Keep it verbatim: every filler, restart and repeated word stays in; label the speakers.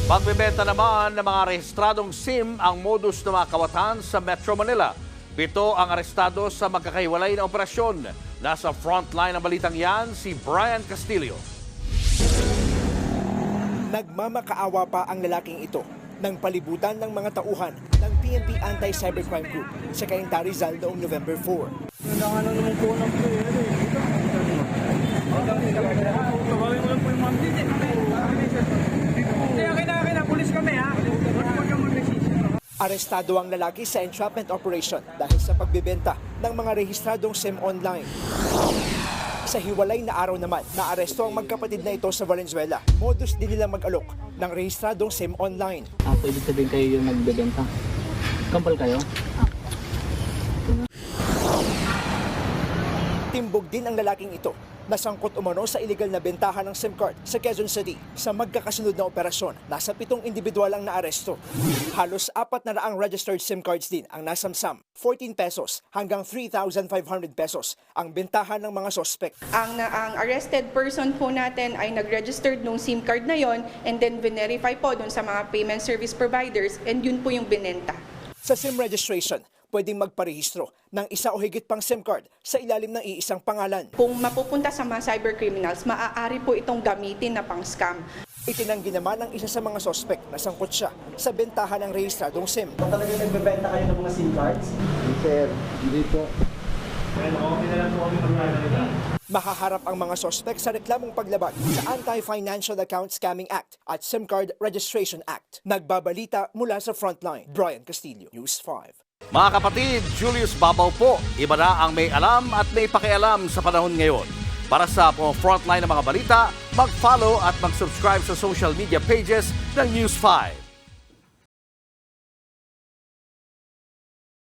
Speaker 1: Pagbebenta naman ng mga rehistradong SIM ang modus ng mga kawatan sa Metro Manila. Pito ang arestado sa magkakahiwalay na operasyon. Nasa frontline ng balitang yan si Brian Castillo.
Speaker 2: Nagmamakaawa pa ang lalaking ito nang palibutan ng mga tauhan ng P N P Anti-Cybercrime Group sa Cainta Rizal noong November four.
Speaker 3: Kailangan na naman po ng player eh. Tawagin mo lang po yung ma'am. Hindi, akin na, akin na. Pulis kami ha. Huwag kang mag-resist.
Speaker 2: Arestado ang lalaki sa entrapment operation dahil sa pagbebenta ng mga rehistradong SIM online. Sa hiwalay na araw naman, naaresto ang magkapatid na ito sa Valenzuela. Modus din nila mag-alok ng rehistradong SIM online.
Speaker 4: Ah, so ibig sabihin kayo yung nagbebenta? Kampal kayo?
Speaker 2: Timbog din ang lalaking ito. Nasangkot umano sa illegal na bentahan ng SIM card sa Quezon City. Sa magkakasunod na operasyon, nasa pitong individual ang naaresto. Halos apat na raang registered SIM cards din ang nasamsam. fourteen pesos hanggang three thousand five hundred pesos ang bentahan ng mga sospek.
Speaker 5: Ang, na, ang arrested person po natin ay nag-registered nung SIM card na yon and then verify po dun sa mga payment service providers and yun po yung binenta.
Speaker 2: Sa SIM registration, pwedeng magparehistro ng isa o higit pang SIM card sa ilalim ng iisang pangalan.
Speaker 5: Kung mapupunta sa mga cybercriminals, maaari po itong gamitin na pang-scam.
Speaker 2: Itinanggi naman ng isa sa mga sospek na sangkot siya sa bentahan ng rehistradong SIM.
Speaker 6: Talaga nagbebenta kayo ng mga SIM cards?
Speaker 4: Sir, hindi po.
Speaker 2: Mahaharap ang mga sospek sa reklamong paglabag sa Anti-Financial Account Scamming Act at SIM Card Registration Act. Nagbabalita mula sa Frontline, Brian Castillo, News five.
Speaker 1: Mga kapatid, Julius Babaw po. Iba na ang may alam at may pakialam sa panahon ngayon. Para sa uh, frontline ng mga balita, mag-follow at mag-subscribe sa social media pages ng News five.